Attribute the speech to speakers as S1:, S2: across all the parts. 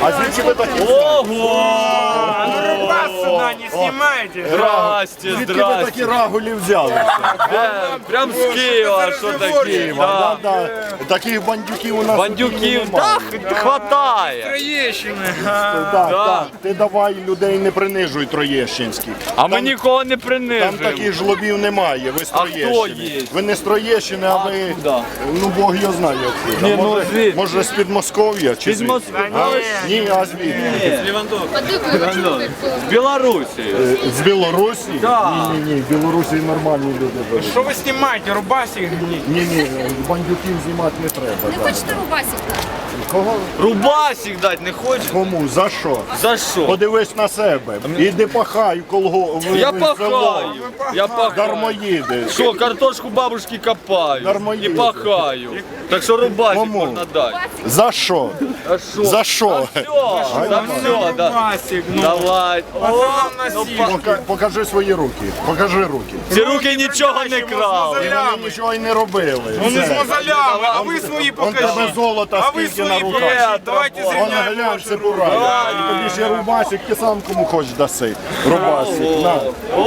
S1: А звідки ви такі?
S2: Ого!
S3: Вас сюда не снимайте.
S2: Здрасте,
S1: Звідки ви
S2: здрасте.
S1: такі рагулі взяли?
S2: Прям з Києва, що такі.
S1: Да, да. Таких бандюків у нас
S2: Бандюків,
S1: немає.
S2: так, хватає.
S3: Троещины.
S1: Так, так. Ти давай людей не принижуй троєщинських.
S2: А ми нікого не
S1: Там
S2: принижуємо.
S1: таких жлобів немає, ви з
S2: А хто
S1: Троєщини.
S2: є?
S1: Ви не з Троєщини, а ви,
S2: Откуда?
S1: ну Бог його знає откуда.
S2: Ні, ну,
S1: Може,
S2: звідки?
S1: може з Підмосков'я чи
S2: З
S1: звідки?
S2: Москви.
S1: А? Ні, а звідки?
S2: З Білорусі.
S1: З Білорусі?
S2: Так.
S1: Ні, в Білорусі нормальні люди живуть.
S3: Что вы снимаете? Рубасик гните.
S1: Ні, бандюків знімати не треба.
S4: Не
S1: да.
S4: хочете рубасик?
S1: Кого?
S2: Рубасик дати не хочеш?
S1: Кому? За що?
S2: За що?
S1: Подивись на себе. Іди пахай
S2: Я пахаю. Я пахаю.
S1: Дармоїди.
S2: Що, картошку бабушки копаю
S1: Дармоїди.
S2: і пахаю. Так що рубасик
S1: Кому?
S2: можна дати.
S1: За що?
S2: А що?
S1: За що?
S2: Все, за все, да.
S3: Рубасик, ну.
S2: Давай.
S3: А
S2: О,
S3: там
S2: ну,
S3: носить.
S1: Покажи свої руки. Покажи руки.
S2: ці руки нічого не крали.
S1: Вони нічого й не робили.
S3: Он из
S1: Все.
S3: мозолями, а вы свои
S1: Вон тебе
S3: покажите.
S1: золото
S3: А вы
S1: скільки на
S3: свои
S1: руках.
S3: покажите. Давайте
S2: Вон
S1: Вон
S3: зрівняємо
S1: глянь,
S3: ваші
S1: це
S3: руки.
S1: бура. І тобі ще рубасик, ти сам кому хочеш даси. Рубасик. На.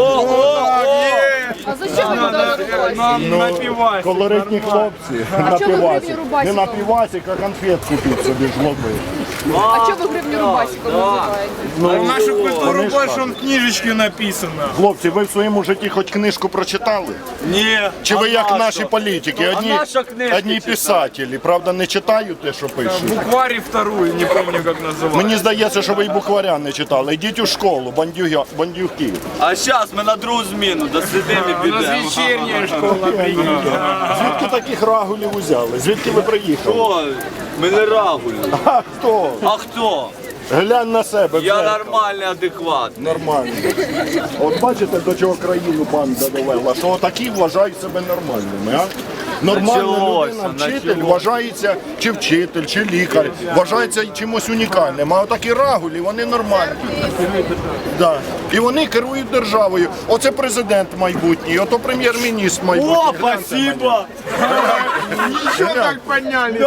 S4: А зачем ви дали рубасик?
S3: Напивайся.
S1: Колоритні хлопці. На
S4: чого ви
S1: півасик.
S4: гривню рубасиком?
S1: Не на півасик, а конфет купіть собі жлоби.
S4: А чого ви гривню рубасиком називаєте?
S1: Ну,
S3: Нашу культуру
S1: вони ж
S3: больше
S1: так.
S3: он в книжечке написано.
S1: Хлопці, ви в своєму житті хоч книжку прочитали?
S2: Ні.
S1: Чи ви як наші політики?
S2: А наша книжка
S1: Одні
S2: читала.
S1: писателі, правда, не читають те, що пишуть?
S3: Букварь вторую, не помню как называется.
S1: Мені здається, що ви й букваря не читали. Йдіть у школу, бандюки.
S2: А зараз ми на другу зміну досидимо і
S3: У нас
S2: підемо.
S3: вечерняя школа приехала.
S1: Звідки таких рагулів узяли? Звідки ви приїхали?
S2: О, ми не рагулі.
S1: А хто?
S2: А хто?
S1: Глянь на себе.
S2: Я
S1: Джек.
S2: нормальний, адекватний.
S1: Нормально. От бачите, до чого країну банда довела, що отакі вважають себе нормальними, а? Нормальна
S2: Началося,
S1: людина, вчитель,
S2: началося.
S1: вважається чи вчитель, чи лікар, вважається чимось унікальним. А отакі рагулі, вони нормальні. Да. І вони керують державою. Оце президент майбутній, ото прем'єр-міністр майбутній.
S2: О,
S1: Гляньте
S2: спасибо!
S3: Еще так поднялись.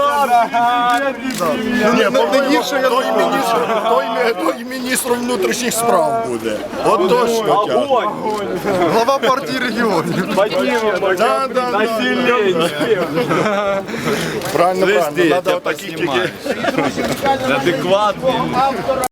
S1: Ні, той міністр внутрішніх справ буде. От точно.
S2: Огонь!
S1: Глава партії регіонів.
S2: Поднимем,
S1: Да, да, да.
S2: население.
S1: Правильно,
S2: Звезди,
S1: правильно.
S2: я
S1: Надо
S2: тебя
S1: отаких
S2: поснимаю. Адекватный.